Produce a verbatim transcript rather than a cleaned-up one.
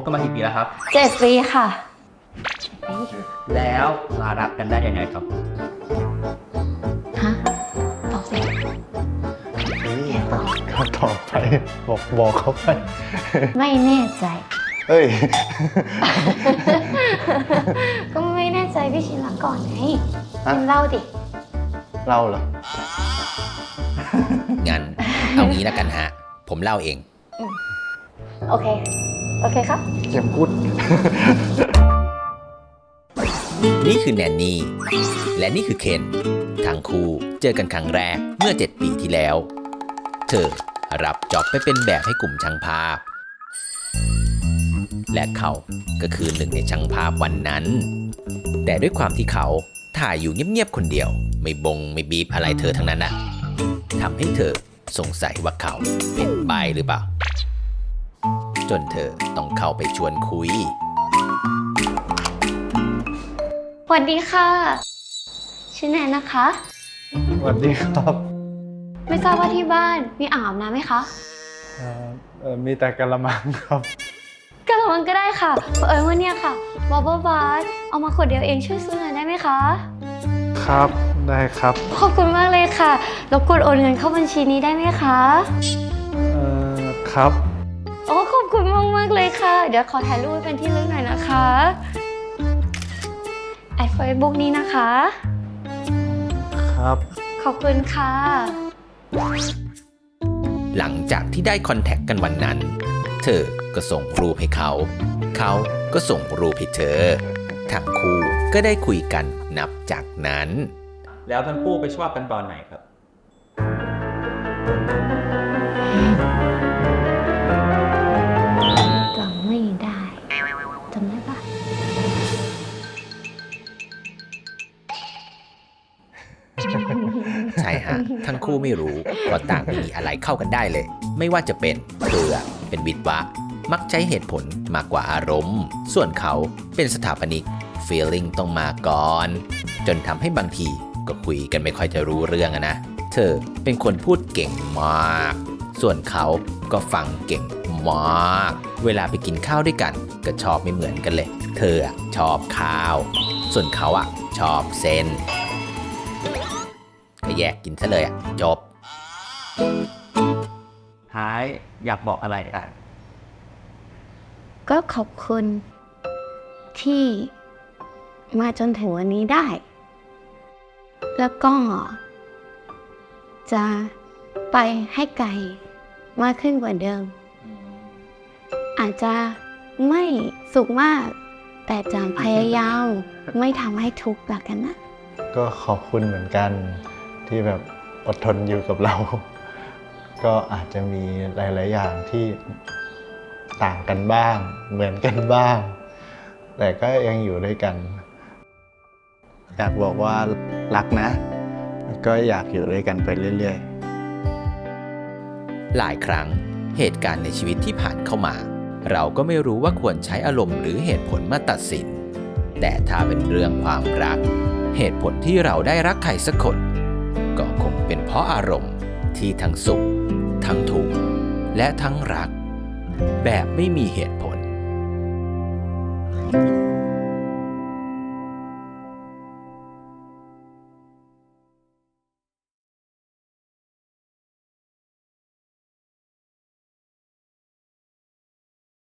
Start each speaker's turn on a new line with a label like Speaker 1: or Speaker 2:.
Speaker 1: กันมากี่ปีแล้วครับ
Speaker 2: เจ็ดปีค่ะ
Speaker 1: แล้วมารักกันได้ยังไงครับ
Speaker 2: ฮะตอบสิ
Speaker 3: ก็ตอบไปบอกบอกเขาไป
Speaker 2: ไม่แน่ใจ
Speaker 3: เอ้ย
Speaker 2: ก็ไม่แน่ใจพี่ชินรักก่อนไง
Speaker 3: ฮะ
Speaker 2: ชินเล่าดิ
Speaker 3: เล่าเหรอ
Speaker 4: งั้นเอางี้แล้วกันฮะ ผมเล่าเอง
Speaker 2: โอเค โอเคครับ
Speaker 3: เข็มกุด
Speaker 4: นี่คือแนนนี่ และนี่คือเคนทั้งคู่เจอกันครั้งแรกเมื่อเจ็ดปีที่แล้ว เธอรับจ็อบไปเป็นแบบให้กลุ่มช่างภาพ และเขาก็คือหนึ่งในช่างภาพวันนั้น แต่ด้วยความที่เขาถ่ายอยู่เงียบๆคนเดียว ไม่บงไม่บีบอะไรเธอทั้งนั้นนะทำให้เธอสงสัยว่าเขาเป็นใบหรือเปล่า จนเธอต้องเข้าไปชวนคุย
Speaker 2: สวัสดีค่ะ ชื่อแนนนะคะ
Speaker 3: สวัสดีครับ
Speaker 2: ไม่ทราบว่าที่บ้านมีอ่างอาบน้ำไหมคะ
Speaker 3: เอ่อเอ่อมีแต่กะละมังครับ
Speaker 2: กระมังก็ได้ค่ะเอิญว่าเนี่ยค่ะบับเบิ้ลบาร์เอามาขวดเดียวเองช่วยซื้อหน่อยได้ไหมคะ
Speaker 3: ครับ ได้ครับ
Speaker 2: ขอบคุณมากเลยค่ะรบกวนโอนเงินเข้าบัญชีนี้ได้ไหมคะ
Speaker 3: เอ่อ ครับ
Speaker 2: โอ้ขอบคุณมากมากๆเลยค่ะ เดี๋ยวขอถ่ายรูปเป็นที่ระลึกหน่อยนะคะไอเฟซบุ๊กนี้นะคะ
Speaker 3: ครับ
Speaker 2: ขอบคุณค่ะ
Speaker 4: หลังจากที่ได้คอนแทคกันวันนั้น เธอก็ส่งรูปให้เขา เขาก็ส่งรูปให้เธอ ทั้งคู่ก็ได้คุยกันนับจากนั้น
Speaker 1: แล้วทั้งคู่ไปชอบกันตอนไหนครับ
Speaker 2: จำไม่ได้จำได้ปะ
Speaker 4: ใช่ฮะ ทั้งคู่ไม่รู้ว่าต่างไม่มีอะไรเข้ากันได้เลย ไม่ว่าจะเป็นเธอเป็นวิทวะ มักใช้เหตุผลมากกว่าอารมณ์ ส่วนเขาเป็นสถาปนิก feeling ต้องมาก่อน จนทำให้บางทีก็คุยกันไม่ค่อยจะรู้เรื่องอะนะ เธอเป็นคนพูดเก่งมาก ส่วนเขาก็ฟังเก่งมาก เวลาไปกินข้าวด้วยกันก็ชอบไม่เหมือนกันเลย เธออะชอบข้าว ส่วนเขาอะชอบเส้นก็แยกกินซะเลยอะจบ
Speaker 1: ท้ายอยากบอกอะไรอ่ะ
Speaker 2: ก็ขอบคุณที่มาจนถึงวันนี้ได้ แล้วก็จะไปให้ไกลมากขึ้นกว่าเดิม อาจจะไม่สุขมาก แต่จะพยายามไม่ทำให้ทุกข์ละกันนะ
Speaker 3: ก็ขอบคุณเหมือนกันที่แบบอดทนอยู่กับเรา ก็อาจจะมีหลาย ๆ อย่างที่ต่างกันบ้าง เหมือนกันบ้าง แต่ก็ยังอยู่ด้วยกัน อยากบอกว่ารักนะ ก็อยากอยู่ด้วยกันไปเรื่อย ๆ
Speaker 4: หลายครั้งเหตุการณ์ในชีวิตที่ผ่านเข้ามา เราก็ไม่รู้ว่าควรใช้อารมณ์หรือเหตุผลมาตัดสิน แต่ถ้าเป็นเรื่องความรัก เหตุผลที่เราได้รักใครสักคน ก็คงเป็นเพราะอารมณ์ที่ทั้งสุข ทั้งทุกข์และทั้งรัก แบบไม่มีเหตุผล